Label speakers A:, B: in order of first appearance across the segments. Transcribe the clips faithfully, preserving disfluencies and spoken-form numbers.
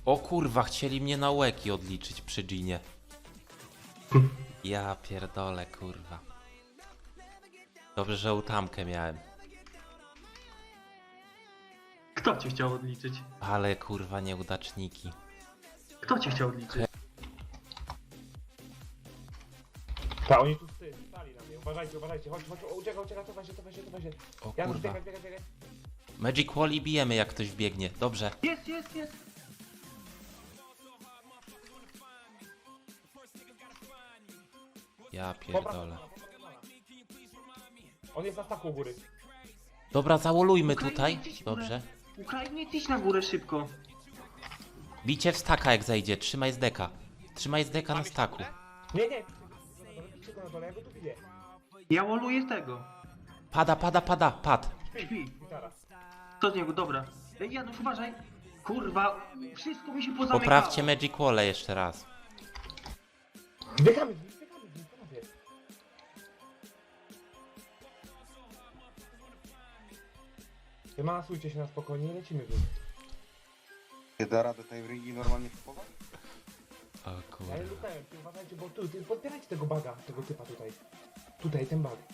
A: O kurwa, chcieli mnie na łeki odliczyć przy Ginie. Ja pierdolę, kurwa. Dobrze, że utamkę miałem.
B: Kto cię chciał odliczyć?
A: Ale kurwa nieudaczniki.
B: Kto cię chciał odliczyć?
C: Ta, oni tu ty, stali na mnie. Uważajcie, uważajcie, chodź, chodź, o, uciekaj, uciekaj, cofaj się, cofaj się, cofaj się.
A: O
C: Janusz,
A: kurwa.
C: biegaj, biegaj, biegaj.
A: Magic Wall i bijemy jak ktoś wbiegnie. Dobrze.
B: Jest, jest, jest!
A: Ja
C: Popraw
A: pierdolę.
C: Romana, popraw Romana. On jest na staku u góry.
A: Dobra, załolujmy
B: Ukrainie,
A: tutaj.
B: idź w górę.
A: Dobrze.
B: Ukrainie, idź na górę szybko.
A: Bicie w staka jak zejdzie. Trzymaj z deka. Trzymaj z deka na staku.
C: Nie, nie, bicie go na dole, ja go tu widzę.
B: Ja woluję tego.
A: Pada, pada, pada. Pad.
B: Śpi.
C: Gitara.
B: Co z niego, dobra. Ej, Janusz, uważaj. Kurwa, wszystko mi się pozamykało.
A: Poprawcie Magic Wall jeszcze raz.
C: Zdychamy z nim, zdychamy z nim, panowie. Wymanasujcie się na spokojnie i lecimy w nich.
D: Nie da radę tej rigi normalnie kupować?
A: O
C: Ja nie
A: kurwa.
C: lukałem, ty uważajcie, bo tu, ty podbierajcie tego baga, tego typa tutaj. Tutaj, ten bag.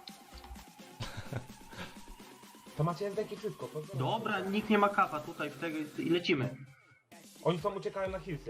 C: To macie S D ki wszystko, pozdrawiam.
B: Dobra, nikt nie ma kapa tutaj w tego i lecimy.
C: Oni są uciekają na hillsy.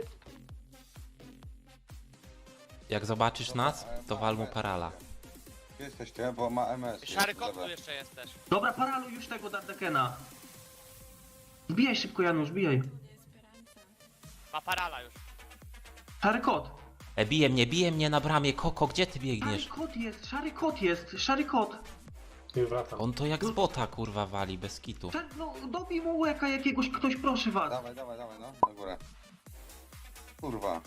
A: Jak zobaczysz nas, to wal mu parala.
D: Gdzie jesteście? Bo ma M S.
E: Szary kot tu jeszcze jest też.
B: Dobra, paraluj już tego Dardekena. Zbijaj szybko, Janusz, bijaj.
E: Ma parala już.
B: Szary kot.
A: E, bije mnie, bije mnie na bramie. Koko, gdzie ty
B: Szary
A: biegniesz?
B: kot jest, szary kot jest, szary kot.
C: Już wracam.
A: On to jak z bota kurwa wali, bez kitu.
B: Szary, no, dobij mu łeka jakiegoś, ktoś, proszę was.
D: Dawaj, dawaj, dawaj, no, na górę. Kurwa.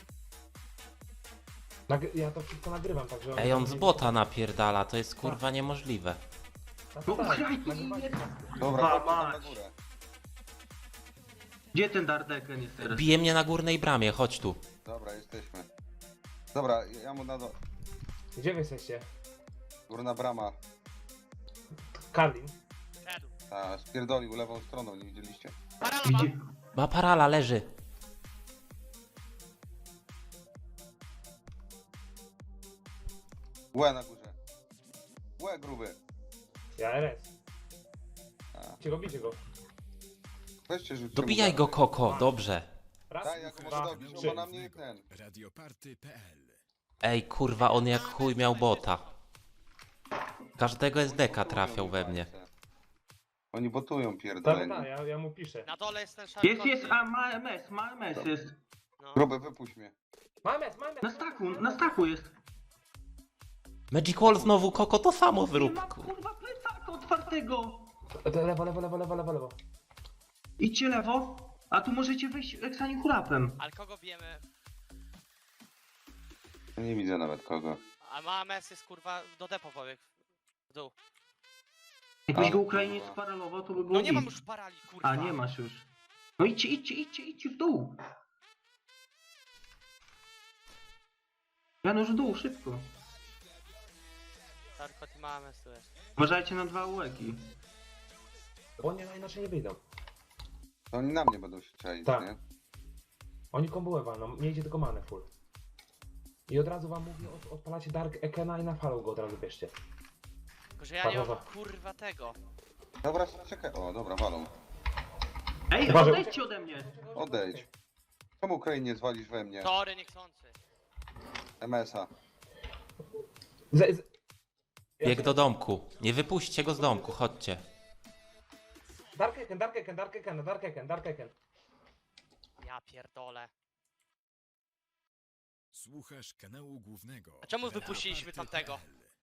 C: Nagry ja to wszystko nagrywam, także...
A: Ej, on z bota napierdala, to jest kurwa niemożliwe.
C: Tak,
B: No,
C: tak,
B: Ukrainie,
C: nagrywajcie.
D: Dobra,
B: Kurwa
D: chodźcie tam na
B: mać.
D: górę.
B: Gdzie ten Dardeken jest teraz?
A: Bije mnie na górnej bramie, chodź tu.
D: Dobra, jesteśmy. Dobra, ja mu na do...
C: Gdzie wy jesteście?
D: Górna brama.
C: Karlin.
E: Szedł.
D: Ta, spierdolił lewą stroną, nie widzieliście?
E: Parala ma.
B: Gdzie?
A: Ma parala, leży.
D: Łe na górze. Łe gruby.
C: Ja R S.
D: A.
C: Cię go, bicie go.
D: Weźcie rzućcie
A: Dobijaj
D: mu
A: go,
D: za-
A: Koko, dobrze.
C: Raz,
D: Daj, jak może
C: dwa,
D: dobić, no
C: trzy.
D: bo na mnie ten.
F: radioparty kropka p l.
A: Ej, kurwa, on jak chuj miał bota. Każdego S D ka trafiał we mnie.
D: Oni botują
C: Tak,
D: pierdoleni.
C: tak, ja, ja mu piszę.
E: Na dole jest ten szary
B: Jest,
E: kot.
B: jest, a ma M S, ma M S jest.
E: No.
D: Gruby, wypuść mnie.
C: Mamy, mamy.
B: Na staku, na staku jest.
A: Magic Wall znowu, Koko, to samo
B: Nie
A: zrób.
B: ma
A: kur-
B: kurwa plecaka otwartego.
C: Lewo, lewo, lewo, lewo, lewo, lewo.
B: Idźcie lewo, a tu możecie wejść Eksani Hulapem.
E: Ale kogo bijemy?
D: Ja nie widzę nawet kogo.
E: A ma M S jest kurwa do depo pobiegł. W dół.
B: Jakbyś
D: A,
B: go Ukrainie
D: kurwa.
B: sparalował, to by było
E: No nie mam
B: git.
E: już parali kurwa.
B: A, nie masz już. No idźcie, idźcie, idźcie, idźcie w dół. Janusz w dół, szybko.
E: Szary kot i ma M S tu jest.
B: Uważajcie na dwa ułeki.
C: Bo oni inaczej nie wyjdą.
D: To oni na mnie będą się czaić,
C: Tak.
D: nie?
C: Oni kombułę walną, miejcie tylko manę full. I od razu wam mówię, od, odpalacie Dark Ekena i na falą go od razu bierzcie.
E: Tylko że ja nie mam
C: Parowa.
E: kurwa tego.
D: Dobra, czekaj. O, dobra, walą.
B: Ej,
C: Uważaj,
B: odejdźcie ode mnie.
D: Odejdź. Czemu Ukrainie zwalisz we mnie?
E: Tory niechcący.
D: M S a.
C: Z, z...
A: Bieg do domku. Nie wypuśćcie go z domku, chodźcie.
C: Dark Eken, Dark Eken, Dark Eken, Dark Eken, Dark Eken.
E: Ja pierdolę.
F: Słuchasz kanału głównego.
E: A czemu wypuściliśmy tamtego?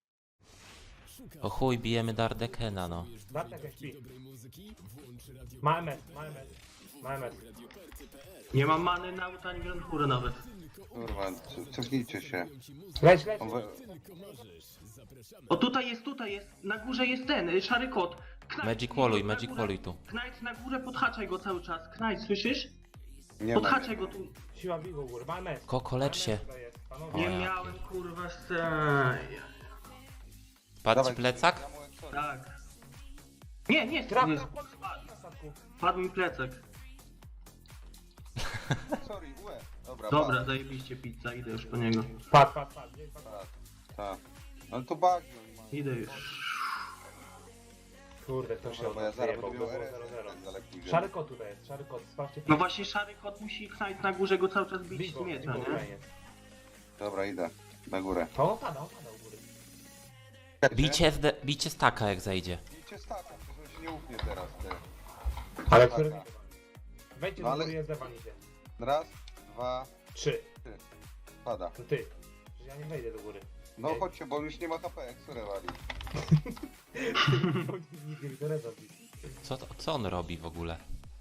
A: O chuj, bijemy Dardekena, no.
C: Dark Eken śpi. Ma M S, ma M S. Ma M S.
B: Nie mam many na auto ani Grand Tour nawet.
D: Kurwa, c- cofnijcie się.
C: Leć, leć.
D: On we...
B: O, tutaj jest, tutaj jest. Na górze jest ten, y, szary kot. Knight,
A: Magic Walluj,
B: na
A: Magic
B: górę.
A: Walluj tu.
B: Knight na górę, podhaczaj go cały czas. Knight, słyszysz?
D: Nie ma.
B: Podhaczaj go tu.
C: Siła bigo góry, ma M S.
A: Koko, lecz się.
C: Tutaj jest, panowie.
B: Nie
A: O, ja
B: miałem kurwa sceny.
A: Patrz
D: Dawaj,
A: plecak?
D: ja mu Exory.
B: Tak. Nie, nie,
C: Traf,
B: nie.
C: traf, traf, traf na statku.
B: Padł mi plecak.
D: Sorry, łe. Dobra,
B: Dobra, zajebiście pizza, idę już po niego.
C: Padł, padł, padł. gdzieś padł.
D: Tak, tak. Ale to bagi oni mają.
B: Idę już.
C: Kurde, kto się
D: Dobra, bo ja zaraz
C: odjebał,
D: będę miał
C: było
D: R S,
C: zero zero.
D: tak daleko idę.
C: Szary kot tutaj jest, szary kot, sprawdźcie.
B: No właśnie szary kot musi Knight na górze go cały czas bić
C: Bigo,
B: z miecza,
C: bigo
B: nie?
C: fajnie.
D: Dobra, idę. Na górę.
C: To on pada, on pada u góry.
A: Bicie, zde, bicie staka jak zejdzie.
D: Bicie staka, przecież on się nie ufnie teraz, ty.
C: Ale
D: Staka.
C: który wejdźcie
D: No
C: do
D: ale-
C: góry, jest zewanicie.
D: Raz, dwa,
C: Trzy.
D: pada.
C: To ty. Przecież ja nie wejdę do góry.
D: No
C: Ej.
D: chodźcie, bo już nie ma H P, jak surę wali.
C: Nigdy mi to nie zrobi.
A: Co, to- co on robi w ogóle?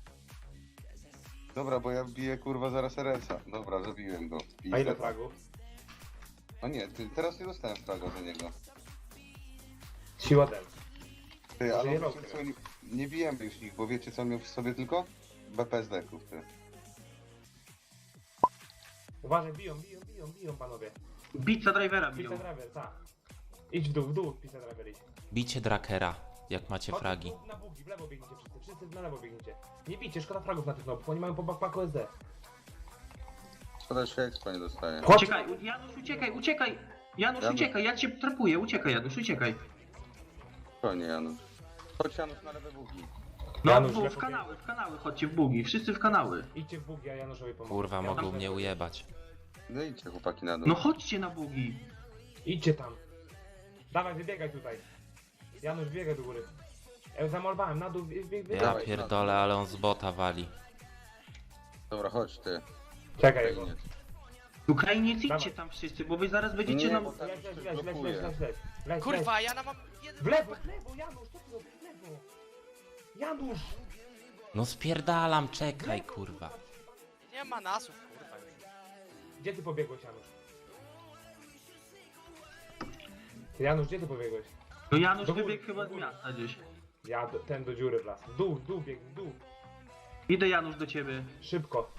D: Dobra, bo ja biję kurwa zaraz R S a. Dobra, zabiłem go.
C: A ile
D: Pizdę.
C: fragów?
D: No nie, ty, teraz nie dostałem fraga za niego.
C: Siła del.
D: Ty, ale
C: Żyje
D: wiecie
C: rok,
D: co, nie, nie bijemy już nich, bo wiecie co on miał w sobie tylko? B P S D-ków, ty.
C: Uważaj, biją, biją, biją, biją panowie.
B: Pizza drivera
C: Pizza
B: biją.
C: driver, tak. Idź w dół, w dół, pizza driver idź.
A: Bicie drakera, jak macie
C: Chodź,
A: fragi.
C: tu Na bugi, w lewo biegniecie wszyscy, wszyscy na lewo biegniecie. Nie bijcie, szkoda fragów na tych nobów, oni mają po backpacku S D.
D: Szkoda, że expa nie dostaje.
C: Chodź.
B: Uciekaj, Janusz, uciekaj, uciekaj! Janusz,
D: Janusz.
B: uciekaj, ja cię trapuję, uciekaj Janusz, uciekaj.
D: Spokojnie, Janusz. Chodź, Janusz, na lewe bugi.
B: No
C: Janusz,
B: w, w
C: lepo
B: kanały, w kanały, chodźcie w bugi, wszyscy w kanały.
C: Idźcie w bugi, a Januszowi pomogę.
A: Kurwa,
C: Ja
A: mogą
C: tam
A: mnie
C: lewo-
A: ujebać.
D: No idźcie, chłopaki, na dół.
B: No chodźcie na bugi.
C: Idźcie tam. Dawaj, wybiegaj tutaj. Janusz, biegaj do góry. Ja już zamolowałem, na dół, bieg, bieg, bieg.
A: Ja
D: Dawaj,
A: pierdolę, ale on z bota wali.
D: Dobra, chodź, ty.
C: Czekaj, jego.
D: Ukrainiec.
B: Ukrainiec, idźcie
C: Dawaj.
B: tam wszyscy, bo wy zaraz będziecie
D: Nie,
B: nam...
D: bo tam
C: Leć, leć,
D: już
C: leć, leć, leć,
D: blokuje.
C: leć, leć. Leć,
E: Kurwa, ja na mam jeden...
C: W lewo, w lewo, Janusz, co ty robisz? W lewo. Janusz!
A: No spierdalam, czekaj kurwa.
E: Nie ma nasów, kurwa.
C: Gdzie ty pobiegłeś, Janusz? Janusz, gdzie ty pobiegłeś?
B: No Janusz
C: Do góry,
B: wybiegł chyba
C: do
B: z
C: góry.
B: miasta gdzieś.
C: Ja, do, ten do dziury wlazł. W dół, w dół, bieg, w dół.
B: Idę Janusz do ciebie.
C: Szybko.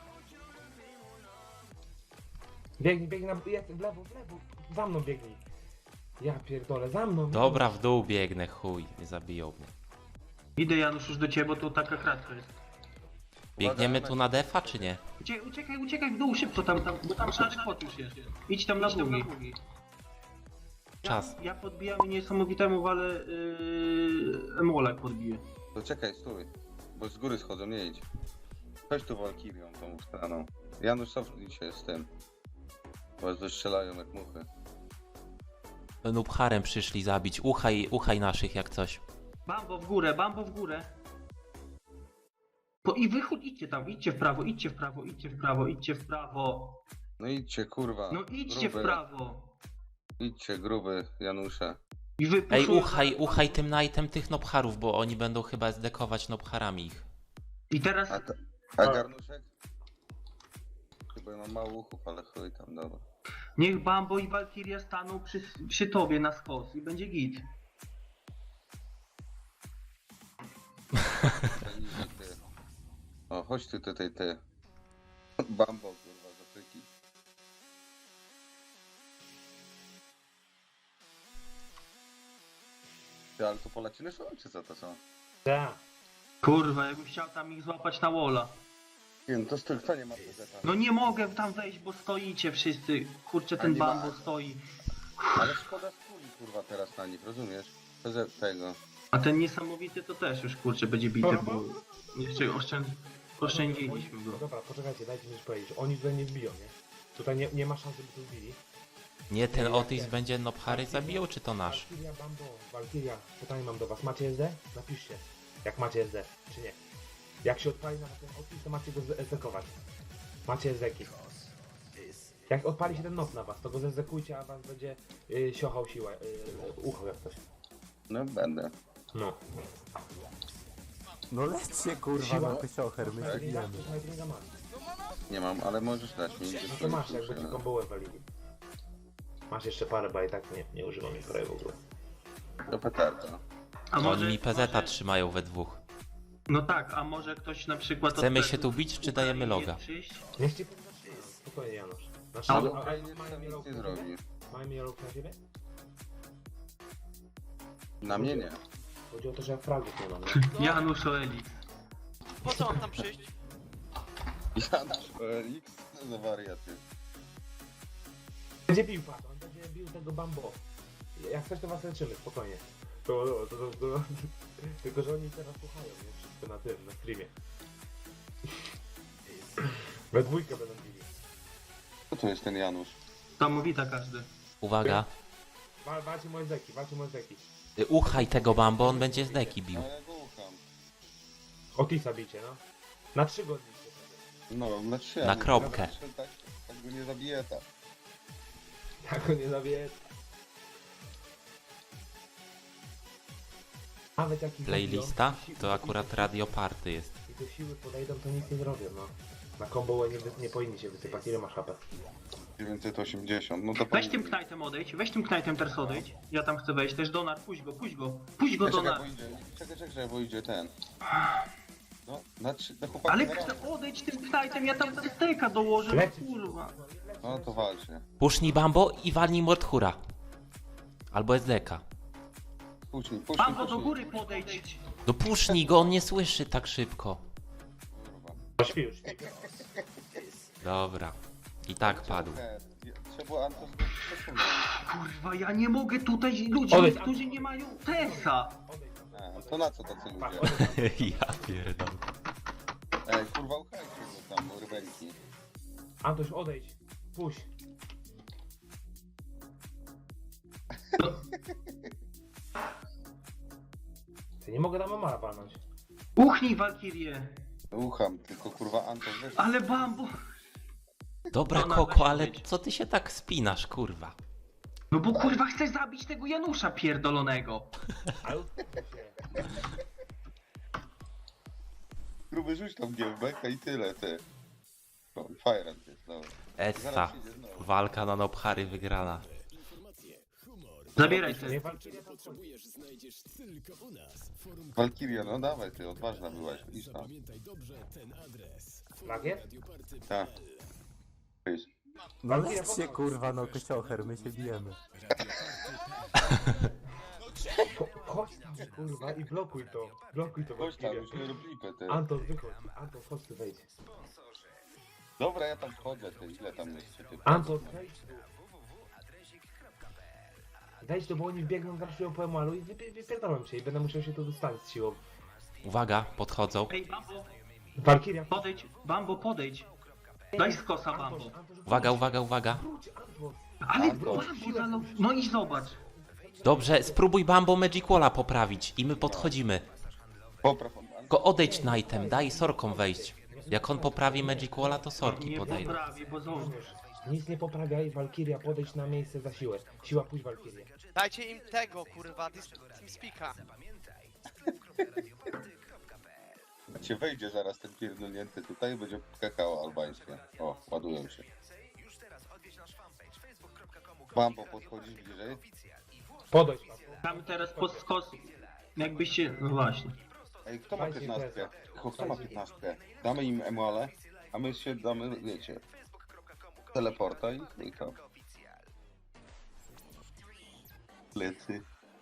C: Biegnij, biegnij na... Jest, w lewo, w lewo. Za mną biegnij. Ja pierdolę, za mną.
A: Dobra, w dół biegnę, chuj, nie zabiją mnie.
B: Idę Janusz już do ciebie, bo tu taka kratka jest.
A: Biegniemy tu na defa, czy nie?
B: Uciekaj, uciekaj, uciekaj w dół szybko tam, tam bo tam szary kot już jest. Idź tam na bugi.
A: Czas.
B: Ja, ja podbijam i niesamowitemu, ale yy, emolek podbiję.
D: To czekaj, stój. Bo z góry schodzą, nie idź. Chodź tu Walkirią tą stroną. Janusz, cofnij się z tym. Bo was dostrzelają jak muchy.
A: Nubharem przyszli zabić, uchaj, uchaj naszych jak coś.
B: Bambo w górę, bambo w górę. Po, I wychód, idźcie tam, idźcie w prawo, idźcie w prawo, idźcie w prawo, idźcie w prawo.
D: No idźcie, kurwa.
B: No idźcie w
D: gruby.
B: prawo.
D: Idźcie, gruby, Janusze.
B: I wy
A: Ej,
B: puszują
A: uchaj,
B: zaraz-
A: uchaj tym nightem tych nobharów, bo oni będą chyba zdekować nobharami ich.
B: I teraz
D: A, ta, a garnuszek? Chyba ja mam mało uchów, ale chuj tam, dobra.
B: niech Bambo i Valkyria staną przy, przy tobie na skos i będzie git.
D: Easy, ty. O, chodź ty tutaj, ty. Bambo, kurwa, z Afryki. Ty, ale to Polacy są, czy co to są?
C: Tak.
B: Kurwa, jakbym chciał tam ich złapać na wola.
D: Nie, no to z kto nie ma P Z A?
B: No nie mogę tam wejść, bo stoicie wszyscy. Kurczę,
D: A
B: ten
D: nie ma-
B: Bambo stoi.
D: Ale szkoda skóry, kurwa, teraz na nich, rozumiesz? P Z tego.
B: A ten niesamowity to też już kurczę będzie bity, bo jeszcze oszczęd... oszczędziliśmy go.
C: Dobra, poczekajcie, dajcie mi coś powiedzieć. Oni tutaj nie wbiją, nie? Tutaj nie, nie ma szans, żeby tu wbili.
A: Nie, ten Otis będzie nobhary zabijał, czy to nasz?
C: Valkyria, Bambo, Valkyria, pytanie mam do was. Macie S D? Napiszcie, jak macie S D, czy nie. Jak się odpali na ten Otis, to macie go zezdekować. Macie S D -ki. Jak odpali się ten noc na was, to go zezdekujcie, a was będzie yy, siochał siłę, yy, uchał jak coś.
D: No będę.
C: No.
G: No lećcie kurwa
C: Siła-
G: na pysiocher, my się
C: Snajperinga,
G: bijemy.
C: snajperinga masz.
D: Nie mam, ale możesz dać mi.
C: No to masz, jakby ci kombołę walili. Masz jeszcze parę, bo i tak nie, nie używam ich prawie w ogóle.
D: To petarda.
B: A
A: Oni mi P Z a
B: może-
A: trzymają we dwóch.
B: No tak, a może ktoś na przykład...
A: Chcemy
B: od
A: się tu bić, czy dajemy
B: Ukrainie
A: loga?
B: przyjść?
C: Niech ci poznaczy. Spokojnie, Janusz. Znaczy,
B: A,
C: a,
D: Ale
C: a, a,
D: Ukrainiec
C: mają
D: tam nic
C: mielołki
D: nie
C: na siebie?
D: zrobi.
C: Mają mielołki na siebie?
D: Na mnie nie.
C: Chodzi o to, że ja fragów nie mam, nie?
E: No,
B: Janusz Oeli.
E: po co mam tam przyjść?
D: Janusz O L X, co za wariaty.
C: Będzie bił pan, on będzie bił tego bambo. Jak coś to was leczymy, spokojnie. To, to, to, to, to. Tylko, że oni teraz słuchają, nie? Wszystko na tym, na streamie. We dwójkę będą bili.
D: Co to jest ten Janusz?
B: Tam wita każdy.
A: Uwaga.
C: Wal, walcie moje deki, walcie moje deki.
A: Y, Uchaj tego Bambo, on będzie z deki bił.
D: No ja go ucham.
C: Otisa bicie, no. Na trzy godzinki.
D: No, na trzy.
A: Na
D: ale
A: kropkę.
D: Tak, tak go nie zabije ta.
C: Tak go nie zawie. Nawet jak ich
A: Playlista
C: zabiją,
A: to akurat Radio Party jest.
C: I do siły podejdą, to nic nie zrobią, no. Na combo nie, wy- nie powinni się wysypać. Ile masz H P?
D: dziewięćset osiemdziesiąt, no to
B: Weź tym
D: powinien-
B: knajtem odejdź, weź tym knajtem teraz odejdź. Ja tam chcę wejść, też Donar, puść go, puść go, puść go
D: Czekaj,
B: Donar.
D: bo idzie, czekaj, czekaj, bo idzie ten. No, na trzy, na chłopaki
B: Ale
D: na
B: chcę
D: rano.
B: odejdź tym knajtem, ja tam steka dołożę,
C: Lecieć.
B: kurwa.
D: No to walczy.
A: Pusznij Bambo i walnij Mordhura. Albo S D K.
D: Puść mi, puść mi,
B: Bambo
D: puść
B: do
D: mi.
B: góry podejdź.
A: No pusznij go, on nie słyszy tak szybko.
D: Kurwa.
C: Śpi już, śpi.
A: Dobra. I tak padł.
D: Nie, trzeba było Antos przesunąć.
B: Kurwa, ja nie mogę tutaj ludzi,
C: Odejdź.
B: którzy nie mają Tesa.
D: A, to na co tacy
C: Patrz,
D: ludzie?
C: odejdź.
A: Ja pierdolę.
D: Ej, kurwa, uchajcie go tam, rybenki.
C: Antoś, odejdź. Puść. Ty nie mogę tam Amara palnąć.
B: Uchnij Walkirię.
D: Ucham, tylko kurwa Antos weź.
B: Ale Bambo.
A: Dobra
B: No, no,
A: Koko,
B: weź
A: ale
B: odejdź.
A: co ty się tak spinasz, kurwa?
B: No bo kurwa chcę zabić tego Janusza pierdolonego.
C: Ale uspokój się.
D: Gruby rzuć tam giełbeka i tyle, ty. No, Fajrant jest, dobra.
A: Essa.
D: Zaraz przyjdzie znowu.
A: Walka na Nobhary wygrana.
B: Zabieraj te.
C: Nie walczycie tam coś.
D: Walkiria, no dawaj ty, odważna byłaś, idź tam.
C: Lagier?
D: Tak. Idź.
G: No lećcie kurwa, no kociocher, my się bijemy.
C: Ko- Chodź tam, kurwa, i blokuj to. Blokuj to,
D: Chodź tam,
C: Valkyria.
D: już nie rób lipy, ty.
C: Anton, wychodź. Anton, chodź tu, wejdź.
D: Dobra, ja tam wchodzę, ty, ile tam jest, ty.
C: Anton, wejdź tu. Wejdź tu, bo oni biegną, zaraz po emalu i wypie- wypierdolą cię i będę musiał się tu dostać z siłą.
A: Uwaga, podchodzą.
B: Ej Bambo,
C: Valkyria,
B: podejdź, Bambo podejdź. Daj skosa Bambo.
A: Uwaga, uwaga, uwaga.
C: Wróć, Anton.
B: Ale
C: Bambo,
B: Bambo, za no, no i zobacz.
A: Dobrze, spróbuj Bambo Magic Walla poprawić i my podchodzimy.
D: Popraw on.
A: Tylko odejdź Knightem, daj sorkom wejść. Jak on poprawi Magic Walla, to sorki
B: Nie
A: podejdą.
B: poprawi, bo znowu.
C: Nic nie poprawiaj, Valkyria, podejdź na miejsce za siłę. Siła, pójdź Valkyrię.
E: Dajcie im tego, kurwa, TeamSpeaka.
D: Cię wejdzie zaraz ten pierdolnięty tutaj i będzie kakao albańskie. O, ładują się. Bambo, podchodzisz bliżej?
C: Podejdź, Papo.
B: Tam teraz pod skos. Jakbyście, no właśnie.
D: Ej, kto ma
C: Dajcie
D: piętnastkę?
C: imprezę.
D: Kto kto ma
C: Dajcie.
D: piętnastkę? Damy im emuale, a my się damy, wiecie, teleporta i i to. Plecy.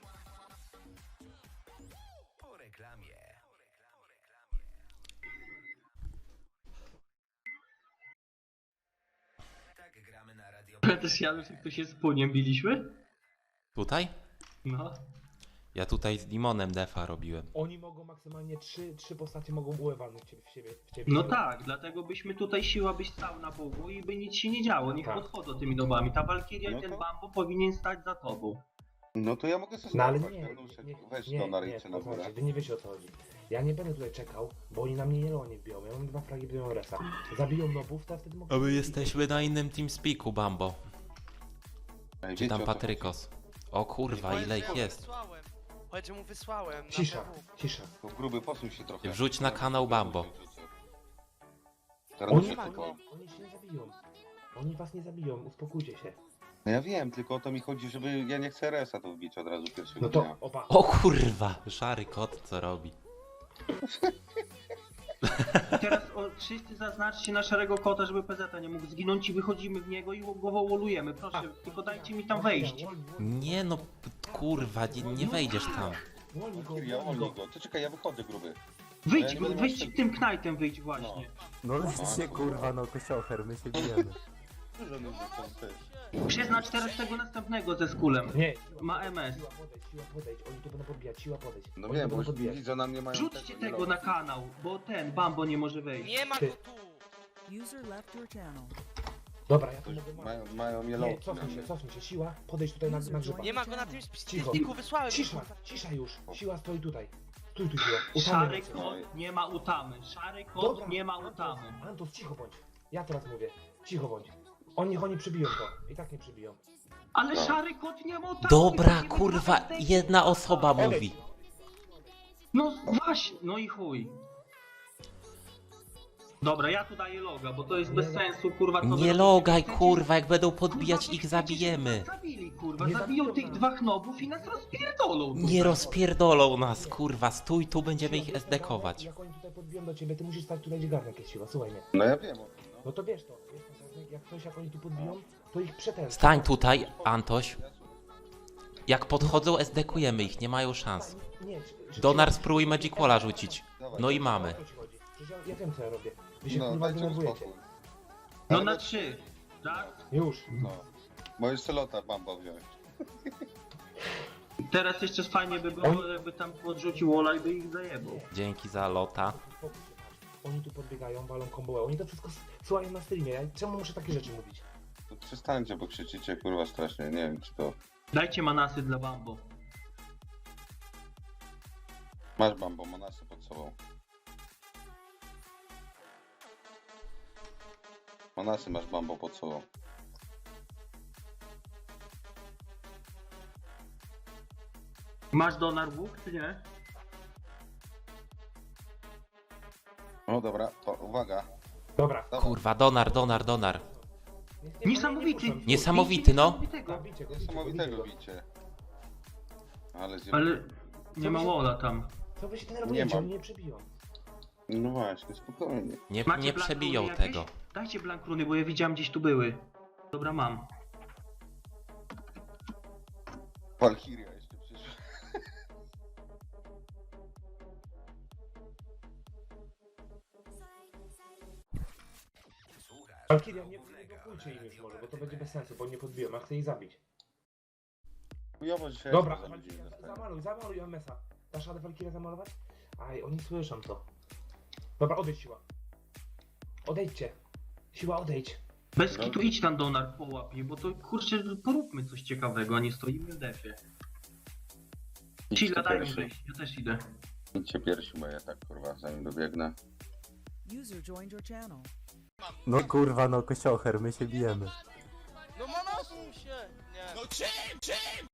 B: Ale też Janusz, jak to się z płoniem biliśmy?
A: Tutaj?
B: No.
A: Ja tutaj z Limonem defa robiłem.
C: Oni mogą maksymalnie trzy, trzy postacie mogą uewalnąć ciebie w siebie. W ciebie.
B: No tak, dlatego byśmy tutaj siła byś stał na bogu i by nic się nie działo, niech
C: Tak.
B: podchodzą tymi dobami. Ta Walkiria
D: No
B: i ten
D: to-
B: Bambo powinien stać za tobą.
D: No to ja mogę sobie
C: No ale
D: złapać,
C: nie,
D: Januszek,
C: nie,
D: weź
C: nie,
D: to na
C: nie,
D: ręce na górę.
C: posłuchajcie, wy nie wiecie o co chodzi. Ja nie będę tutaj czekał, bo oni na mnie jelą nie wbiją. Ja mam dwa fragi, biją resa. Zabiją nobów, to ja wtedy mogę...
A: A my jesteśmy na innym TeamSpeaku, Bambo.
D: Ej,
A: Czy
D: wiecie,
A: tam
D: o co
A: Patrykos? O kurwa, ile ich jest.
E: Wysłałem. Powiedz, że mu wysłałem. na
C: Cisza,
E: P W.
C: cisza.
D: chodzi? To gruby, posuń się trochę.
A: Wrzuć na kanał Bambo.
D: Teraz
C: Oni,
D: się
C: oni,
D: tylko...
C: oni się nie zabiją. Oni was nie zabiją, uspokójcie się.
D: No ja wiem, tylko o to mi chodzi, żeby ja nie chcę resa to wbić od razu pierwszego
C: No to,
D: dnia.
C: oba.
A: O kurwa, szary kot co robi.
B: Teraz o, wszyscy zaznaczcie na szarego kota, żeby P Z nie mógł zginąć i wychodzimy w niego i go wolujemy. Proszę, tylko dajcie mi tam wejść.
A: Nie no, p- kurwa, nie, nie wejdziesz tam.
C: Wolni go,
D: Ja
C: wolni
D: wolnij
C: go.
D: go. To czekaj, ja wychodzę, gruby.
B: Wyjdź,
D: Ja nie będę
B: wyjdź
D: miał-
B: tym knajtem wyjdź właśnie.
G: No lećcie kurwa, no kociocher, my się bijemy.
D: Dużo ludzi tam też.
B: Przyznacz teraz tego następnego ze skulem.
C: Nie, siła,
B: Ma
C: podejdź,
B: M S.
C: Siła podejść, siła podejść, oni tu będą podbijać, siła podejść.
D: No
C: Oni
D: wiem,
C: tu
D: bo
C: będą podbijać.
D: widzą na mnie mają
B: Rzućcie
D: nie
B: tego
D: robią.
B: na kanał, bo ten Bambo nie może wejść.
E: Nie ma
C: Ty.
E: go tu!
H: User left your channel.
C: Dobra, ja tu mogę...
D: Mają, mają
C: Nie,
D: mielonki na
C: cofnij się,
D: mnie.
C: cofnij się, siła, podejdź tutaj na, na grzyba.
E: Nie ma go na tym
C: Cicho.
E: spiku, wysłałem go,
C: Cisza,
E: kurwa.
C: cisza już, siła stoi tutaj. Stój tu, siła. Utamy
B: Szary
C: lecą.
B: kot nie ma utamy. Szary kot
C: Dobra,
B: nie ma
C: Antos,
B: utamy.
C: Antos, cicho bądź. Ja teraz mówię, cicho bądź. Oni niech oni przebiją to, i tak nie przebiją.
B: Ale szary kot nie ma utamy.
A: Dobra,
B: nie
A: kurwa,
B: ma utamy.
A: jedna osoba mówi.
B: No właśnie, no i chuj. Dobra, ja tu daję loga, bo to jest bez sensu, kurwa. co wy
A: Nie
B: robicie.
A: logaj,
B: Chcecie-
A: kurwa, jak będą
B: kurwa,
A: podbijać
B: wy
A: ich
B: chcecie,
A: zabijemy.
B: żeby nas Zabili, kurwa,
C: Nie
B: zabiją
C: zabiją
B: tych
C: nas.
B: dwóch nobów i nas rozpierdolą.
A: Nie
B: tutaj.
A: rozpierdolą nas, kurwa, stój tu, będziemy
C: Siła,
A: ich
C: wiesz,
A: esdekować.
C: Jak oni tutaj podbiją do ciebie, ty musisz stać tutaj, gdzie garnek jest siła, słuchaj mnie.
D: No ja wiem o tym, no.
C: No to wiesz to, wiesz to, garnek, jak coś, jak oni tu podbiją, to ich przetęs.
A: Stań tutaj, Antoś. Jak podchodzą, esdekujemy ich, nie mają szans.
C: Nie, czy- czy-
A: Donar
C: czy-
A: spróbuj Magic Walla rzucić.
D: Dawaj,
A: No i
D: dawaj.
A: mamy.
C: O co ci chodzi? Przecież ja, ja wiem co ja robię. Wy się
D: No,
C: kurwa
D: dajcie mu
C: denerwujecie.
D: spokój.
B: No
D: Ale
B: na
D: we-
B: trzy. Tak?
C: Już.
D: No. Bo jeszcze lota bamba wziąć.
B: Teraz jeszcze fajnie by było, jakby tam podrzucił Ola i by ich zajebał.
A: Dzięki za lota.
C: Spokój się, patrz. Oni tu podbiegają, walą kombołę, oni to wszystko s- słuchają na streamie. Ja, czemu muszę takie rzeczy mówić?
D: To przestańcie, bo krzyczycie kurwa strasznie. Nie wiem czy to...
B: Dajcie manasy dla Bambo.
D: Masz bambo, manasy pod sobą. Manasy masz bambo pod sobą.
B: Masz Donar łuk, czy nie?
D: No dobra, to uwaga.
C: Dobra.
D: Dawaj.
A: Kurwa, donar, donar, donar.
C: Nie- nie-
B: Niesamowity.
C: nie puszczam.
A: Niesamowity, no.
B: Niesamowitego.
C: Tak, bicie go, bicie go,
D: Niesamowitego
C: bicie go.
D: bicie. Ale zjem...
B: Ale nie ma Ola tam.
C: Co wy się
D: Nie
C: denerwujecie?
D: mam.
C: Oni nie przebiją.
D: No właśnie, spokojnie.
A: Nie,
B: Macie
A: nie
B: blankruny
A: przebiją
B: jakieś?
A: tego.
B: Dajcie blankruny, bo ja widziałem gdzieś tu były. Dobra, mam.
D: Walkiria jeszcze przyszła.
C: Valkyria, nie, nie blokujcie im już może, bo to będzie bez sensu, bo nie podbiją, ja chcę ich zabić.
D: Chujowo dzisiaj
C: Dobra,
D: za ludzi
C: Valkyria,
D: dostaję.
C: zamaluj, zamaluj M S a. Dasz radę Valkyria zamalować? Aj, oni słyszą to. Dobra, odejdź siła. Odejdźcie. Siła, odejdź.
B: Bez kitu idź tam Donar połapie, bo to kurczę, poróbmy coś ciekawego, a nie stoimy w defie.
D: Idźcie
B: Chilla, daj mi
D: pierwszy.
B: wyjść, ja też idę.
D: Idźcie pierwszy, bo ja tak kurwa zanim dobiegnę.
H: User joined your channel.
G: No kurwa, no kociocher, my się bijemy.
E: No manasuj się! Nie.
F: No czym, czym?